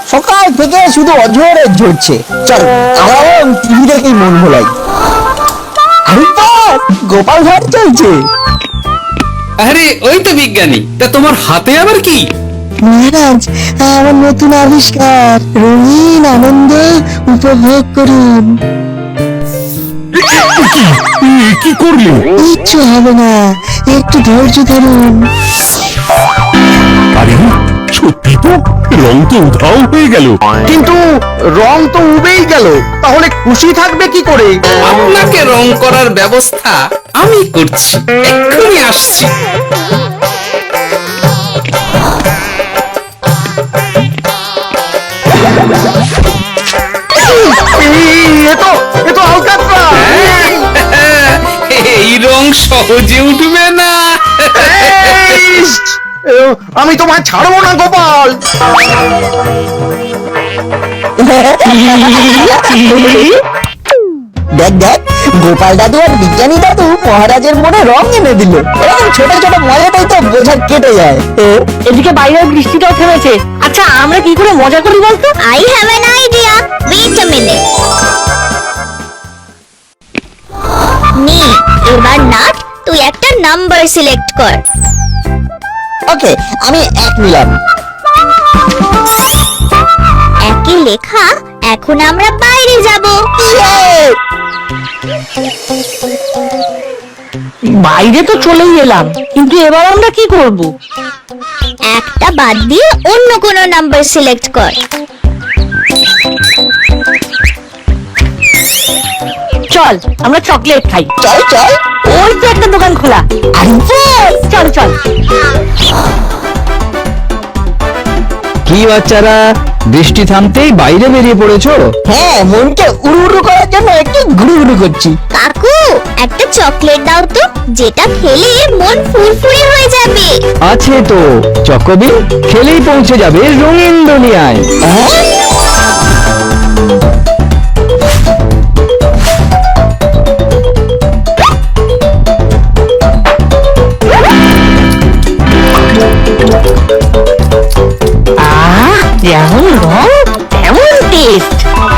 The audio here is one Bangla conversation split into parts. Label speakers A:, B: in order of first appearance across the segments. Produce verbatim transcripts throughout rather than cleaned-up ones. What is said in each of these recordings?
A: সকাল থেকে শুধু অঝরে ঝরছে। চল আমরাও টিভি দেখেই মন ভোলাই। আরে বাস, গোপাল ভাট চলছে।
B: আরে ওই তো বিজ্ঞানী, তা তোমার হাতে আবার কি?
A: মহারাজ, আমার নতুন আবিষ্কার, রঙিন আনন্দ উপভোগ করুন।
C: কি করলি?
A: কিচ্ছু হবে না, একটু ধৈর্য ধরুন।
C: আরে সত্যি তো, রং তো উধাও হয়ে গেল।
D: কিন্তু রং তো উবেই গেল, তাহলে খুশি থাকবে কি করে?
B: আপনাকে রং করার ব্যবস্থা আমি করছি, এক্ষুনি আসছি।
D: এ তো এ তো আলকাতরা।
B: এই রং সহজে উঠবে না।
D: ইস, আমি তোমায় ছাড়বো না গোপাল।
A: দেখ দেখ, গোপাল দাদু আর বিজ্ঞানী দাদু মহারাজের মনে রং এনে দিল। এরকম ছোট ছোট মজাটাই তো বোঝা কেটে যায়।
E: এদিকে বাইরের বৃষ্টিটাও থেমেছে। আচ্ছা আমরা কি করে মজা করি বলতো?
F: I have an idea. Wait a minute. নে, এবার নাট তুই একটা নাম্বার সিলেক্ট কর।
A: ওকে, আমি এক নিলাম।
F: একই লেখা, এখন আমরা বাইরে যাব।
E: বাইরে তো চলেই এলাম, কিন্তু এবার আমরা কি করব?
F: একটা বাদ দিয়ে অন্য কোনো নাম্বার সিলেক্ট কর।
E: চল আমরা চকলেট খাই।
A: চল চল।
E: ওই তো একটা দোকান খোলা।
A: আরে বাস,
E: চল চল।
G: কি বাচ্চারা, বৃষ্টি থামতেই বাইরে বেরিয়ে পড়েছো?
A: হ্যাঁ, মনকে উড়ু উড়ু করার জন্য একটু ঘুরু ঘুরু করছি।
F: কাকু, একটা চকলেট দাও তো, যেটা খেলে মন ফুরফুরে হয়ে যাবে।
G: আছে তো, চকোবিন, খেলেই পৌঁছে যাবে রঙিন দুনিয়ায়।
E: আহ, যেমন রং তেমন টেস্ট।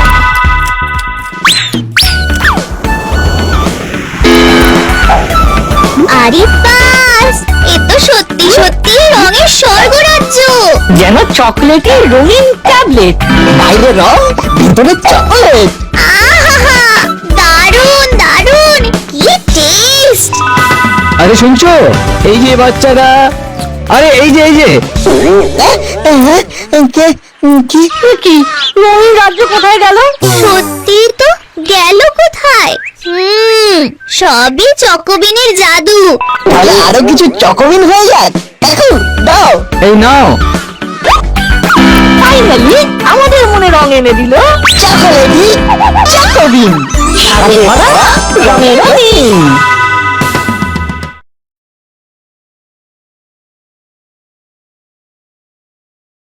F: আরে বাস, এ তো সত্যি সত্যি রঙের স্বর্গরাজ্য।
E: যেন চকলেটের রঙিন ট্যাবলেট।
A: বাইরে রং, ভিতরে চকলেট।
F: আহা, দারুন দারুন, কি টেস্ট।
G: আরে শুনছো, এই যে বাচ্চারা, আরে এই যে এই যে
A: কে কি
E: কি রঙিন রাজ্য কোথায় গেল?
F: সত্যি তো, গেল কোথায়? হুম, সবই চকোবিনের জাদু।
A: তাহলে আরো কিছু চকোবিন হয়ে যাক। এখন দাও।
G: এই নাও।
E: ফাইনালি আমাদের মনে রং এনে দিল
A: চকোলেটই চকোবিন, সাথে ভরা রঙে রঙিন।